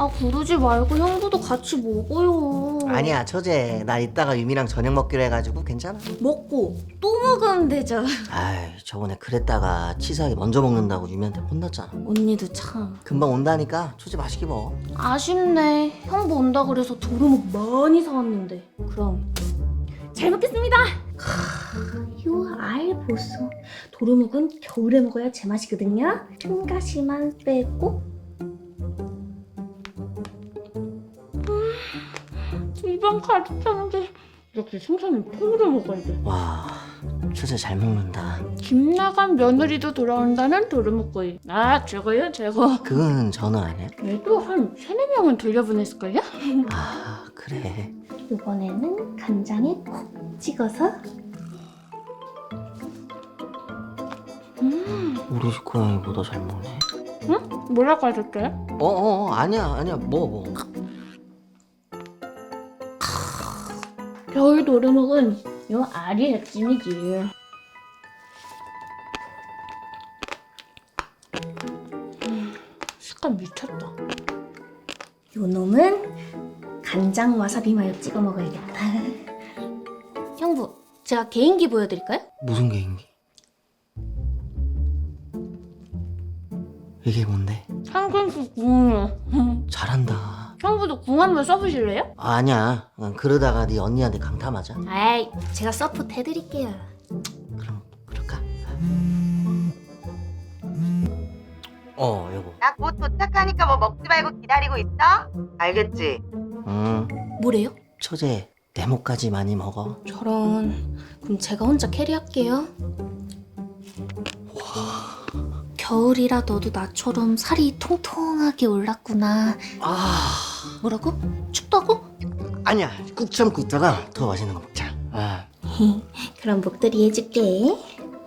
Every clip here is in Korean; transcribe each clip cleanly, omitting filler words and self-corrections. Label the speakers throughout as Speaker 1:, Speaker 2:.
Speaker 1: 아, 그러지 말고 형부도 같이 먹어요.
Speaker 2: 아니야 처제, 나 이따가 유미랑 저녁 먹기로 해가지고 괜찮아.
Speaker 1: 먹고 또 먹으면 되죠.
Speaker 2: 아이, 저번에 그랬다가 치사하게 먼저 먹는다고 유미한테 혼났잖아.
Speaker 1: 언니도 참
Speaker 2: 금방 온다니까 처제 맛있게 먹어.
Speaker 1: 아쉽네. 형부 온다 그래서 도루묵 많이 사왔는데. 그럼 잘 먹겠습니다. 요 알 보소. 도루묵은 겨울에 먹어야 제맛이거든요. 한 가지만 빼고. 입안 가득 차는데 이렇게 생선은 통으로 먹어야 돼.
Speaker 2: 와, 처제 잘 먹는다.
Speaker 1: 김 나간 며느리도 돌아온다는 도루묵구이. 아, 최고요, 최고.
Speaker 2: 그거는 전어 아니야?
Speaker 1: 얘도 한 3-4명은 돌려보냈을걸요?
Speaker 2: 아, 그래.
Speaker 1: 이번에는 간장에 콕 찍어서.
Speaker 2: 우리 집 고양이보다 잘 먹네.
Speaker 1: 응? 뭐라고 하셨어요?
Speaker 2: 아니야 먹어.
Speaker 1: 겨울 도루묵은 요 알이 핵심이지. 식감 미쳤다. 요 놈은 간장 와사비 마요 찍어 먹어야겠다. 형부, 제가 개인기 보여드릴까요?
Speaker 2: 무슨 개인기? 이게 뭔데?
Speaker 1: 한근수 궁이요.
Speaker 2: 잘한다.
Speaker 1: 형부도 궁 한번 써보실래요?
Speaker 2: 아니야, 그러다가 네 언니한테 강타맞아.
Speaker 1: 아이, 제가 서포트 해드릴게요.
Speaker 2: 그럼 그럴까? 여보.
Speaker 3: 나 곧 도착하니까 뭐 먹지 말고 기다리고 있어? 알겠지?
Speaker 1: 뭐래요?
Speaker 2: 처제 내 목까지 많이 먹어.
Speaker 1: 저런. 그럼 제가 혼자 캐리할게요. 겨울이라 너도 나처럼 살이 통통하게 올랐구나. 뭐라고? 춥다고?
Speaker 2: 아니야, 꾹 참고 있다가 더 맛있는 거 먹자.
Speaker 1: 그럼 목도리 해줄게.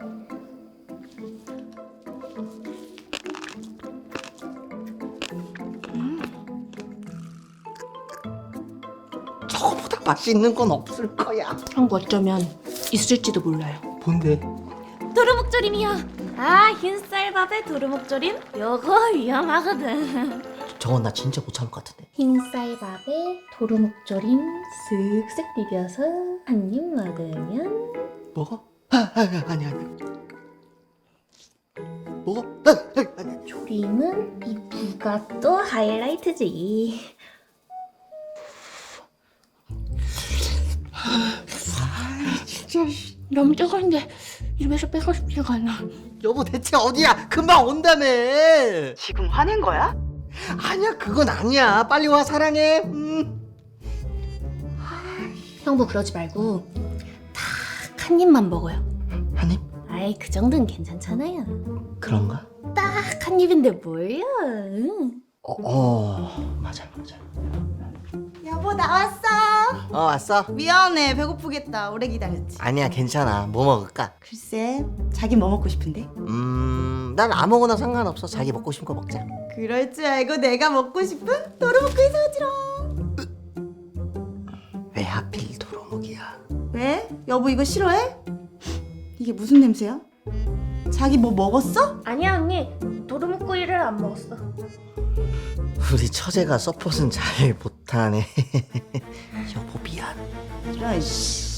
Speaker 2: 저거보다 맛있는 건 없을 거야.
Speaker 1: 형부 어쩌면 있을지도 몰라요.
Speaker 2: 뭔데?
Speaker 1: 도루묵조림이요. 아, 흰쌀밥에 도루묵조림? 요거 위험하거든.
Speaker 2: 저건 나 진짜 못 참을 것 같은데.
Speaker 1: 흰쌀밥에 도루묵조림 쓱쓱 비벼서 한 입 먹으면.
Speaker 2: 먹어? 아니야. 먹어? 아니야.
Speaker 1: 조림은 이 무가 또 하이라이트지.
Speaker 2: 진짜.
Speaker 1: 너무 뜨거운데 입에서 빼고 싶지가 않아.
Speaker 2: 여보 대체 어디야? 금방 온다며.
Speaker 3: 지금 화낸 거야?
Speaker 2: 아니야, 그건 아니야. 빨리 와, 사랑해.
Speaker 1: 형부 그러지 말고 딱 한 입만 먹어요.
Speaker 2: 한 입?
Speaker 1: 아이, 그 정도는 괜찮잖아요.
Speaker 2: 그런가?
Speaker 1: 딱 한 입인데 뭘요? 응.
Speaker 2: 맞아.
Speaker 4: 여보 나왔어.
Speaker 2: 왔어?
Speaker 4: 미안해 배고프겠다. 오래 기다렸지.
Speaker 2: 아니야, 괜찮아. 뭐 먹을까?
Speaker 4: 글쎄 자기 뭐 먹고 싶은데?
Speaker 2: 난 아무거나 상관없어. 자기 먹고 싶은 거 먹자.
Speaker 4: 그럴 줄 알고 내가 먹고 싶은 도루묵구이 사주라.
Speaker 2: 왜 하필 도루묵이야?
Speaker 4: 왜? 여보 이거 싫어해? 이게 무슨 냄새야? 자기 뭐 먹었어?
Speaker 1: 아니야 언니, 도루묵구이를 안 먹었어.
Speaker 2: 우리 처제가 서폿은 잘 못하네. 여보 미안.
Speaker 4: 이런 씨.